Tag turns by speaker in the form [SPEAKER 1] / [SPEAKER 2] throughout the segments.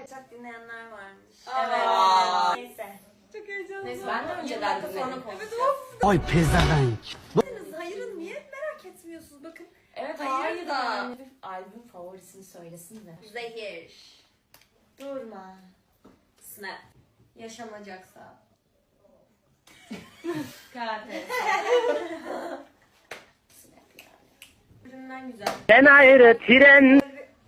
[SPEAKER 1] Çok dinleyenler varmış.
[SPEAKER 2] Evet.
[SPEAKER 1] Neyse.
[SPEAKER 2] Çok heyecanlı.
[SPEAKER 3] Neyse ben de önceden dinledim.
[SPEAKER 4] Ay pezevenk.
[SPEAKER 1] Hayır'ın niye merak etmiyorsunuz? Bakın.
[SPEAKER 3] Evet
[SPEAKER 1] Hayır
[SPEAKER 3] hayır
[SPEAKER 1] da.
[SPEAKER 3] da. Albüm favorisini söylesin de.
[SPEAKER 1] Zehir.
[SPEAKER 3] Durma.
[SPEAKER 1] Snap. Yaşanacaksa.
[SPEAKER 3] Katil.
[SPEAKER 1] Üründen güzel.
[SPEAKER 4] Ben ayrı tren.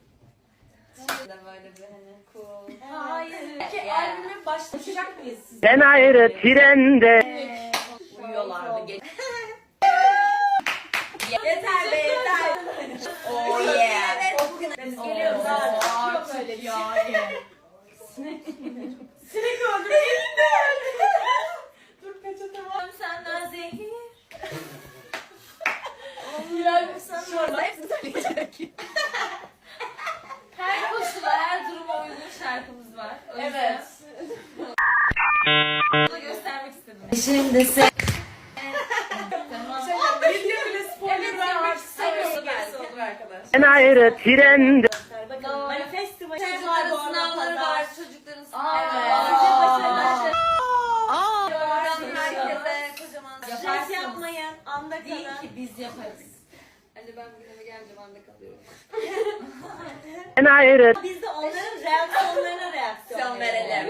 [SPEAKER 1] Böyle bir hani cool.
[SPEAKER 3] Hayır. Ki
[SPEAKER 1] Yeah.
[SPEAKER 3] albüme başlayacak mıyız siz?
[SPEAKER 4] Ben ayrı trende.
[SPEAKER 3] Uyuyorlardı.
[SPEAKER 1] Yeter be yeter. Oh yeah. Evet bugün biz geliyoruz.
[SPEAKER 3] Yok öyle bir şey. Sinek öldü. Dur peçete var.
[SPEAKER 1] Senden zehir.
[SPEAKER 3] Bilal sen
[SPEAKER 1] Şurada hepsini söyleyecek.
[SPEAKER 3] her koşula, her duruma uygun şarkımız var. O yüzden
[SPEAKER 2] Evet.
[SPEAKER 3] bunu göstermek istedim.
[SPEAKER 1] Şimdi sen.
[SPEAKER 3] Tamam.
[SPEAKER 2] Video bile spoiler
[SPEAKER 3] Evet,
[SPEAKER 2] vermek
[SPEAKER 3] ya,
[SPEAKER 2] istemiyorum
[SPEAKER 3] evet.
[SPEAKER 2] belki olur arkadaş.
[SPEAKER 4] Ben ayrı trende.
[SPEAKER 1] Bakın manifestim.
[SPEAKER 3] Çocukların
[SPEAKER 1] sınavları var. Çocukların
[SPEAKER 3] Evet.
[SPEAKER 1] sınavları.
[SPEAKER 3] Aa.
[SPEAKER 1] Buradan herkese kocaman
[SPEAKER 3] Yaparsınız.
[SPEAKER 1] stres yapmayın. Anda
[SPEAKER 3] Değil
[SPEAKER 1] kalın.
[SPEAKER 3] ki biz yaparız.
[SPEAKER 1] Hadi ben bugün eve gelince anda kalıyorum.
[SPEAKER 4] Ben ayrı.
[SPEAKER 1] Biz de onların reaksiyonlarına reaksiyon verelim.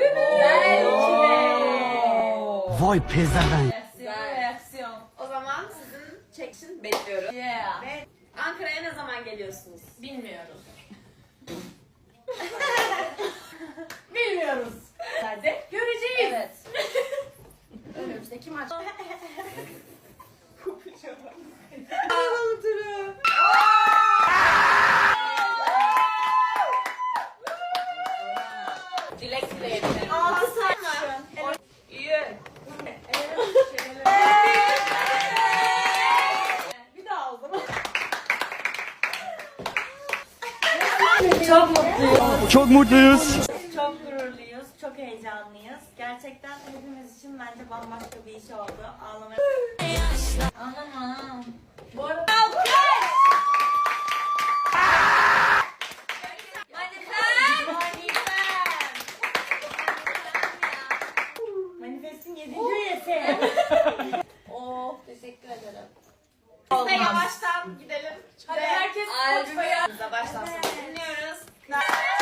[SPEAKER 4] Vay pezevenk.
[SPEAKER 3] Reaksiyon.
[SPEAKER 1] O zaman sizin çekişin bekliyoruz.
[SPEAKER 3] Yeah.
[SPEAKER 1] Ve Ankara'ya ne zaman geliyorsunuz?
[SPEAKER 3] Bilmiyoruz. Bilmiyoruz.
[SPEAKER 1] Hadi.
[SPEAKER 3] Göreceğiz. Evet. Önümüzdeki maç. Dilek dileyelim.
[SPEAKER 1] 6 saat mı?
[SPEAKER 3] İyi.
[SPEAKER 1] Bir daha o zaman.
[SPEAKER 4] Çok mutluyuz.
[SPEAKER 1] Çok gururluyuz, çok heyecanlıyız. Gerçekten hepimiz için bence bambaşka bir iş oldu. Ağlamaya...
[SPEAKER 3] Anlamam.
[SPEAKER 1] Bu arada... Manifest'in 7. üyesi.
[SPEAKER 3] Oh, teşekkür ederim.
[SPEAKER 1] Ve yavaştan gidelim.
[SPEAKER 3] Hadi herkes
[SPEAKER 1] Albümü baştan sona dinliyoruz.